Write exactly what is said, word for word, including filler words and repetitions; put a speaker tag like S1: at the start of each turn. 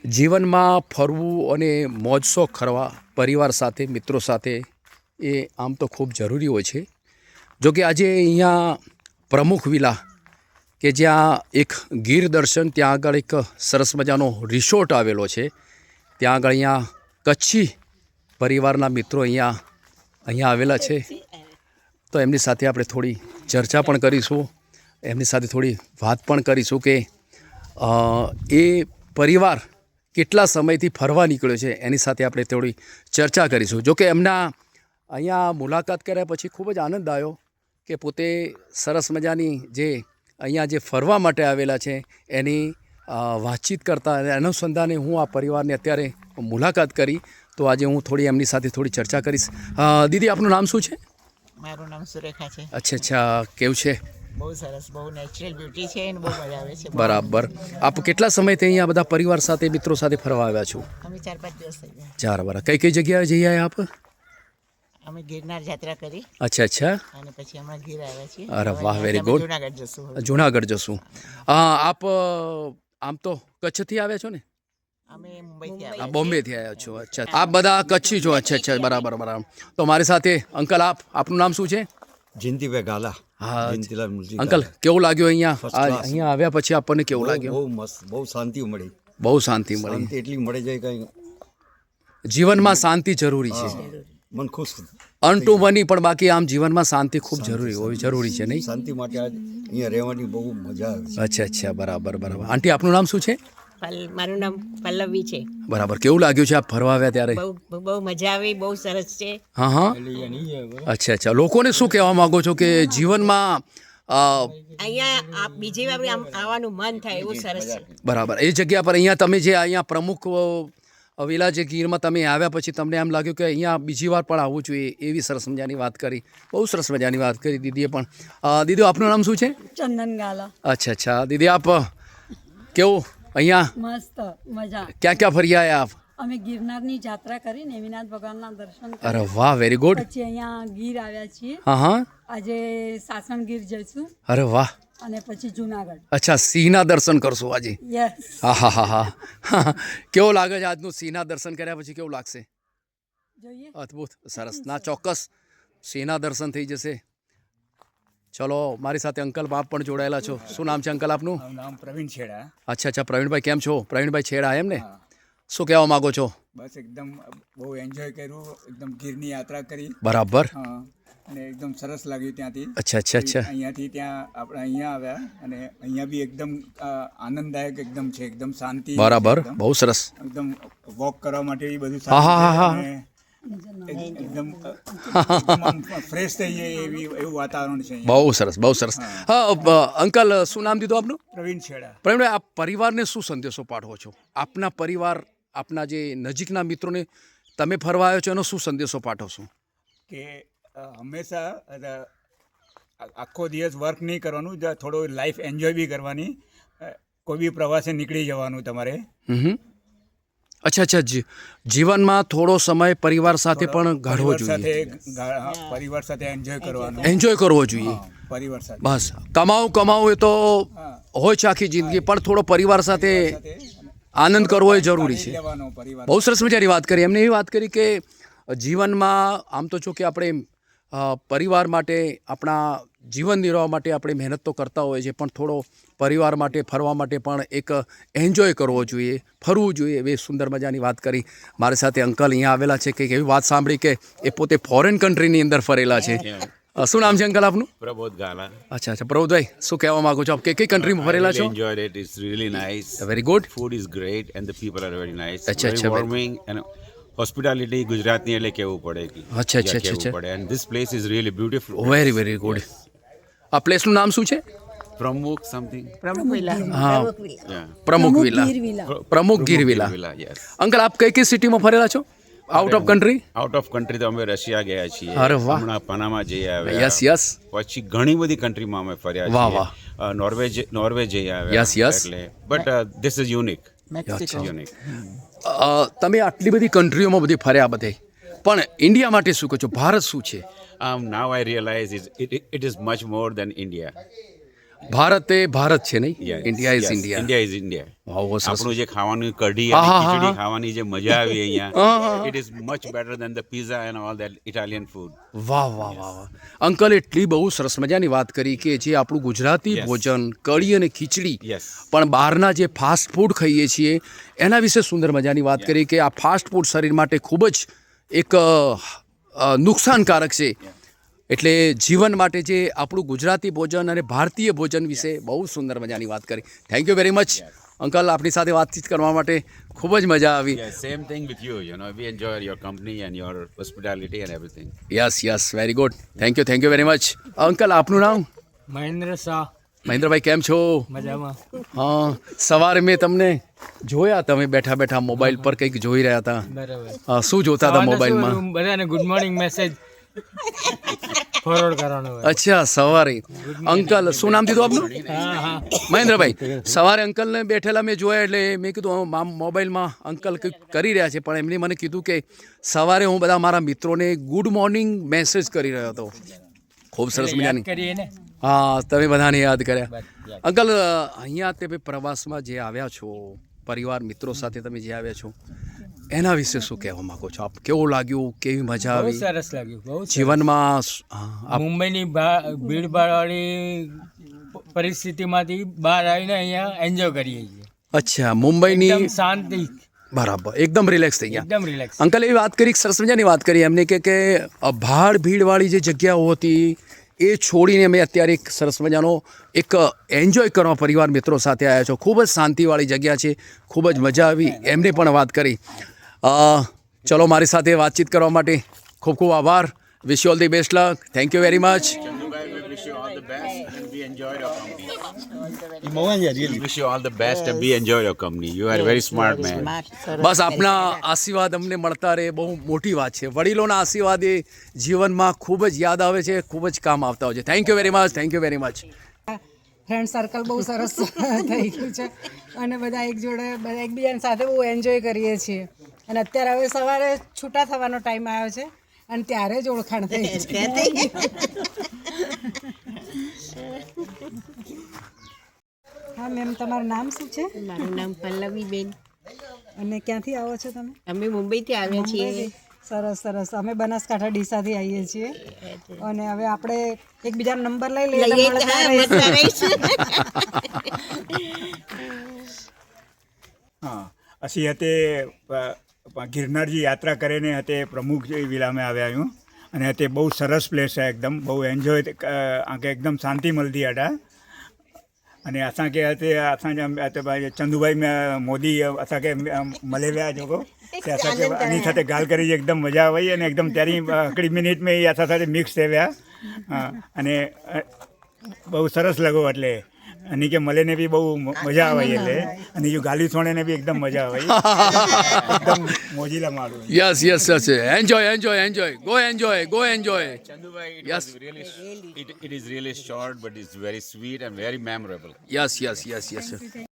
S1: જીવનમાં ફરવું અને મોજ શોખ કરવા પરિવાર સાથે મિત્રો સાથે એ આમ તો ખૂબ જરૂરી હોય છે. જો કે આજે અહીંયા પ્રમુખ વિલા કે જ્યાં એક ગીર દર્શન ત્યાં આગળ એક સરસ મજાનો રિસોર્ટ આવેલો છે. ત્યાં આગળ અહીંયા કચ્છી પરિવારના મિત્રો અહીંયા અહીંયા આવેલા છે. તો એમની સાથે આપણે થોડી ચર્ચા પણ કરીશું, એમની સાથે થોડી વાત પણ કરીશું કે એ પરિવાર કેટલા સમયથી ફરવા નીકળ્યો છે એની સાથે આપણે થોડી ચર્ચા કરીશું. જો કે એમના અહીંયા મુલાકાત કર્યા પછી ખૂબ જ આનંદ આવ્યો કે પોતે સરસ મજાની જે અહીંયા જે ફરવા માટે આવેલા છે એની વાતચીત કરતા અનુસંધાને હું આ પરિવારને અત્યારે મુલાકાત કરી. તો આજે હું થોડી એમની સાથે થોડી ચર્ચા કરીશ. દીદી, આપનું નામ શું છે?
S2: મારું નામ સુરેખા છે.
S1: અચ્છા અચ્છા, કેવું છે?
S2: બહુ સરસ, બહુ નેચરલ બ્યુટી છે અને બહુ મજા આવે છે.
S1: બરાબર. આપ કેટલા સમયથી અહીંયા બધા પરિવાર સાથે મિત્રો સાથે ફરવા આવ્યા છો?
S2: અમે ચાર પાંચ દિવસ થઈ ગયા.
S1: ચાર બરાબર. કઈ કઈ જગ્યાએ જઈ આવ્યા આપ?
S2: અમે ગિરનાર યાત્રા કરી
S1: અચ્છા અચ્છા.
S2: અને પછી હમણાં ગીર આવ્યા છીએ.
S1: અરે વાહ, વેરી ગુડ.
S2: જુનાગઢ જશું.
S1: જુનાગઢ જશું. આપ આમ તો કચ્છથી આવ્યા છો ને?
S2: અમે મુંબઈથી
S1: આ
S2: આવ્યા.
S1: બોમ્બેથી આવ્યા છો. અચ્છા, આપ બધા કચ્છી છો? અચ્છા અચ્છા, બરાબર બરાબર. તો મારી સાથે અંકલ, આપ આપનું નામ શું છે?
S3: જયંતિભાઈ ગાલા.
S1: હા
S3: જયંતિલાલ મુરજી
S1: અંકલ, કેવું લાગ્યું અહીંયા
S3: First
S1: આ
S3: class.
S1: અહીંયા આવ્યા પછી આપણને કેવું
S3: બહુ
S1: લાગ્યું?
S3: બહુ મસ્ત, બહુ શાંતિ મળી.
S1: બહુ શાંતિ મળી.
S3: શાંતિ એટલી મળે જાય કઈ
S1: જીવનમાં શાંતિ જરૂરી છે.
S3: મન ખુશ.
S1: અન ટુ મની પણ બાકી આમ જીવનમાં શાંતિ ખૂબ જરૂરી હોવી જરૂરી છે, નહીં?
S3: શાંતિ માટે આજ અહીંયા રહેવાની બહુ મજા આવે છે.
S1: અચ્છા અચ્છા, બરાબર બરાબર. આંટી, આપનું નામ શું છે?
S2: પલ- મારું નામ પલ્લવી છે.
S1: બરાબર. કેવું લાગ્યું છે આપ ફરવા આવ્યા ત્યારે?
S2: બહુ બહુ મજા આવી, બહુ સરસ છે.
S1: હા હા. અચ્છા અચ્છા. લોકોને શું કહેવા માંગો છો કે જીવનમાં અ,
S2: અહીંયા આ બીજી વાર આમ આવવાનું મન થાય એવું સરસ છે.
S1: બરાબર એ જગ્યા પર અહીંયા તમે જે અહીંયા પ્રમુખ અ, વિલા જે ગીરમાં તમે આવ્યા પછી તમને એમ લાગ્યું કે અહીંયા બીજી વાર પણ આવવું જોઈએ, એવી સરસ મજાની વાત કરી. બહુ સરસ મજાની વાત કરી દીદીએ પણ. અ, દીદી, આપનું નામ શું છે?
S4: ચંદન ગાલા.
S1: અચ્છા અચ્છા. દીદી, આપ કેવું અહીંયા
S4: મસ્ત મજા.
S1: ક્યાં ક્યાં ફરી આવ્યા આપ?
S4: અમે ગિરનારની યાત્રા કરી નેમિનાથ ભગવાનના દર્શન કર્યા.
S1: અરે વાહ, વેરી ગુડ.
S4: પછી અહીંયા ગીર આવ્યા છીએ.
S1: હા હા.
S4: આજે સાસણ ગીર જઈશું
S1: અરે વાહ.
S4: અને પછી જુનાગઢ.
S1: અચ્છા, સિંહના દર્શન કરશું આજે?
S4: યસ.
S1: હા હા હા હા. કેવો લાગે છે આજનું સિંહના દર્શન કર્યા પછી? કેવું લાગશે?
S4: જોઈએ.
S1: અદ્ભુત, સરસ. ના, ચોક્કસ સિંહના દર્શન થઈ જશે. ચલો, મારી સાથે અંકલ બાપ પણ જોડાયેલા છો. શું નામ છે અંકલ આપનું?
S5: મારું નામ પ્રવીણ છેડા.
S1: અચ્છા અચ્છા. પ્રવીણભાઈ, કેમ છો? પ્રવીણભાઈ છેડા, એમ ને? શું કહેવા માગો છો?
S5: બસ એકદમ બહુ એન્જોય કર્યું, એકદમ ગીરની યાત્રા કરી.
S1: બરાબર.
S5: હા, અને એકદમ સરસ લાગ્યું ત્યાંથી.
S1: અચ્છા અચ્છા અચ્છા.
S5: અહીંયાથી ત્યાં આપણે અહીંયા આવ્યા અને અહીંયા બી એકદમ અ, આનંદદાયક એકદમ છે, એકદમ શાંતિ.
S1: બરાબર,
S5: એકદમ
S1: બહુ સરસ.
S5: એકદમ વોક કરવા માટે બી બધું
S1: હા, હા,
S5: સારું
S1: હા,
S5: છે
S1: હા.
S5: અને એક- એકદમ ફ્રેશ થઈ જાય એવી એવું વાતાવરણ છે અહીંયા.
S1: બહુ સરસ, બહુ સરસ. હા, અ, અંકલ, શું નામ દીધું આપનું?
S5: પ્રવીણ છેડા.
S1: પ્રવીણભાઈ, આપ પરિવારને શું સંદેશો પાઠવો છો? આપના પરિવાર, આપના જે નજીકના મિત્રોને તમે ફરવા આવ્યો છો એનો શું સંદેશો પાઠવશો?
S5: કે અ, હંમેશા અ, આખો દિવસ વર્ક નહીં કરવાનું, જ થોડો લાઈફ એન્જોય બી કરવાની. અ, કોઈ બી પ્રવાસે નીકળી જવાનું તમારે.
S1: હમ. અચ્છા અચ્છા. જી- જીવનમાં થોડો સમય પરિવાર સાથે પણ ગાળવો
S5: પરિવાર સાથે
S1: જોઈએ,
S5: ગા- હા, પરિવાર સાથે એન્જોય કરવાનું.
S1: એન્જોય કરવો જોઈએ.
S5: હા, પરિવાર સાથે.
S1: બસ કમાવું કમાવું એ તો હોય છે આખી જિંદગી, પણ થોડો પરિવાર સાથે આનંદ કરવો એ જરૂરી છે.
S5: લેવાનો પરિવાર.
S1: બહુ સરસ મજાની વાત કરી. એમને એવી વાત કરી કે જીવનમાં આમ તો જો કે આપણે અ, પરિવાર માટે, આપણા જીવન નિર્વાહ માટે આપણે મહેનત તો કરતા હોઈએ છીએ, પણ થોડો પરિવાર માટે ફરવા માટે પણ એક એન્જોય કરવો જોઈએ, ફરવું જોઈએ. એવી સુંદર મજાની વાત કરી. મારી સાથે અંકલ અહીંયા આવેલા છે કે એવી વાત સાંભળી કે એ પોતે ફોરેન કન્ટ્રીની અંદર ફરેલા છે. અ, શું નામ છે અંકલ આપનું?
S6: Prabodh Gala.
S1: અચ્છા અચ્છા. પ્રભુભાઈ, શું કહેવા માંગો છો આપ? કે કઈ કન્ટ્રીમાં
S6: I
S1: ફરેલા
S6: really
S1: છો?
S6: enjoyed it. It's really nice.
S1: Very good.
S6: Food is great and the people are very nice.
S1: Achha,
S6: very
S1: achha, very-
S6: warming and hospitality ગુજરાતની એટલે કેવું પડે કે
S1: અચ્છા, અચ્છા,
S6: ત્યાં
S1: અચ્છા,
S6: કેવું
S1: અચ્છા.
S6: પડે. And this place is really beautiful.
S1: Very very good. આ પ્લેસનું નામ શું છે?
S6: પ્રમુખ something.
S2: પ્રમુખ વિલા.
S1: હા,
S6: Yeah.
S1: પ્રમુખ villa.
S4: Gir villa.
S1: Pramukh Gir villa.
S6: Villa, yes.
S1: Uncle, આપ કઈ કઈ સિટીમાં ફરેલા છો? Out of country?
S6: Out of country તો અમે રશિયા ગયા છીએ.
S1: અરે વાહ.
S6: હમણાં પનામા જઈ આવ્યા.
S1: Yes yes.
S6: પછી ઘણી બધી કન્ટ્રીમાં અમે ફર્યા
S1: વાહ,
S6: છીએ.
S1: વાહ.
S6: અ, નોર્વે જ- નોર્વે જઈ આવ્યા.
S1: Yes, yes.
S6: એટલે but this is unique.
S2: Mexico.
S6: Unique.
S1: Uh, તમે આટલી બધી કન્ટ્રીઓમાં બધી ફર્યા બધે, પણ ઇન્ડિયા માટે શું કહો છો? ભારત શું છે?
S6: Um, now I realize it's, it, it is much more than India.
S1: Bharat એ ભારત છે નહીં,
S6: Yes,
S1: India is
S6: yes,
S1: India.
S6: India is India.
S1: વાહ, બહુ સરસ.
S6: આપણું જે ખાવાનું કઢી
S1: હા,
S6: અને
S1: હા, હા,
S6: ખીચડી
S1: હા.
S6: ખાવાની જે મજા આવી
S1: હા,
S6: અહીંયા
S1: હા.
S6: It is much better than the pizza and all that Italian food.
S1: વાહ વાહ વાહ વાહ. અંકલ એટલી બહુ સરસ મજાની વાત કરી કે જે આપણું ગુજરાતી
S6: Yes.
S1: ભોજન કઢી અને ખીચડી
S6: Yes.
S1: પણ બહારના જે ફાસ્ટ ફૂડ ખાઈએ છીએ એના વિશે સુંદર મજાની વાત કરી કે આ ફાસ્ટ ફૂડ શરીર માટે ખૂબ જ એક અ, અ, નુકસાનકારક છે. એટલે જીવન માટે જે આપણું ગુજરાતી ભોજન અને ભારતીય ભોજન વિશે બહુ સુંદર મજાની વાત કરી. Thank you very much uncle, આપણી સાથે વાતચીત કરવા માટે ખૂબ જ મજા આવી.
S6: Yeah, same thing with you. You know, we enjoy your company and your hospitality and everything.
S1: Yes yes very good. Thank you thank you very much. Uncle, આપનું નામ?
S7: મહેન્દ્ર શાહ.
S1: મહેન્દ્રભાઈ, કેમ છો?
S7: મજામાં.
S1: હા, સવારે મેં તમને જોયા, તમે બેઠા બેઠા મોબાઈલ પર કંઈક જોઈ રહ્યા હતા.
S7: બરાબર.
S1: હા, શું જોતા હતા મોબાઈલમાં?
S7: બધાને ગુડ મોર્નિંગ મેસેજ ફોરવર્ડ કરવાનો હોય.
S1: અચ્છા, સવારે. અંકલ, શું નામ દીધું આપનું?
S7: હા હા.
S1: મહેન્દ્રભાઈ, સવારે અંકલને બેઠેલા મેં જોયા એટલે મેં કીધું હા, મોબાઈલમાં અંકલ કંઈક કરી રહ્યા છે, પણ એમને મને કીધું કે સવારે હું બધા મારા મિત્રોને ગુડ મોર્નિંગ મેસેજ કરી રહ્યો હતો. ખૂબ સરસ
S7: યાદ
S1: મજાની.
S7: કરીએ ને.
S1: હા, તમે બધાને યાદ કર્યા. અંકલ, અહીંયા તમે પ્રવાસમાં જે આવ્યા છો, પરિવાર મિત્રો સાથે તમે જે આવ્યા છો, એના વિશે શું કહેવા માંગો છો આપ? કેવું લાગ્યું? કેવી મજા
S7: બહુ
S1: આવી
S7: સરસ લાગ્યું. બહુ સરસ.
S1: જીવનમાં? સ- હા, આપ-
S7: મુંબઈની ભીડભાડવાળી પરિસ્થિતિમાંથી બહાર આવીને અહીંયા એન્જોય કરીએ છીએ.
S1: અચ્છા, મુંબઈની
S7: એકદમ શાંતિ,
S1: બરાબર, એકદમ રિલેક્સ થઈ ગયા.
S7: એકદમ રિલેક્સ.
S1: અંકલ એવી વાત કરી, સરસ મજાની વાત કરી એમને કે કે ભાડ ભીડવાળી જે જગ્યાઓ હતી એ છોડીને અમે અત્યારે એક સરસ મજાનો એક એન્જોય કરવા પરિવાર મિત્રો સાથે આવ્યા છો. ખૂબ જ શાંતિવાળી જગ્યા છે, ખૂબ જ મજા આવી. એમને પણ વાત કરી. અ, ચલો, મારી સાથે વાતચીત કરવા માટે ખૂબ ખૂબ આભાર. Wish you all the best luck. Thank you very much.
S6: Chandubai, we wish you all the best and we enjoyed your company. We wish you all the best and we enjoyed your company. You are very smart man.
S1: બસ આપના આશીર્વાદ અમને મળતા રહે, બહુ મોટી વાત છે. વડીલોના આશીર્વાદ એ જીવનમાં ખૂબ જ યાદ આવે છે, ખૂબ જ કામ આવતા હોય છે. Thank you very much. Thank you very much.
S8: Friend circle બહુ સરસ થઈ ગયું છે અને બધા એક જોડે બધા એકબીજાની સાથે બહુ એન્જોય કરીએ છીએ. અને અત્યારે હવે સવારે છૂટા થવાનો ટાઈમ આવ્યો છે અને ત્યારે જ ઓળખાણ થઈ છે. હા મેમ, તમારું નામ શું છે
S2: મારું નામ પલ્લવીબેન.
S8: અને ક્યાંથી આવો છો તમે?
S2: અમે મુંબઈથી આવ્યા છીએ.
S8: સરસ સરસ. અમે બનાસકાંઠા ડીસાથી આવીએ છીએ અને હવે આપણે એકબીજાનો નંબર લઈ લઈએ એટલે
S2: લઈએ
S8: મળતા
S2: હા,
S8: રહીશું.
S2: મળતા રહીશું.
S5: હા, ਅਸੀਂ હતે ગિરનારજી યાત્રા કરીને હતે પ્રમુખ વિલામે આવ્યા હું અને હતે બહુ સરસ પ્લેસ છે, એકદમ બહુ એન્જોય આંखे एकदम शांति मिलती अटा અને असांखे हिते असांजा हिते भाई चंदूभाई में मोदी असांखे મળે વિયા જેको તે असांखे આની સાથે ગાલ કરી એકદમ મજા આવી અને એકદમ ત્યારે આકડી મિનિટ में એ અસાं સાથે મિક્સ થઈ ગયા. હા, અને બહુ સરસ લગો એટલે અને કે મળે ને બી બહુ મજા આવી એટલે અને જો ગાલી સોણે ને બી એકદમ મજા આવી એકદમ મોજીલા મારું.
S1: Yes yes yes. Enjoy enjoy enjoy. Go enjoy go enjoy.
S6: Chandubai, it
S1: Yes.
S6: was really, it, it is really short but it's very sweet and very memorable.
S1: Yes yes yes yes.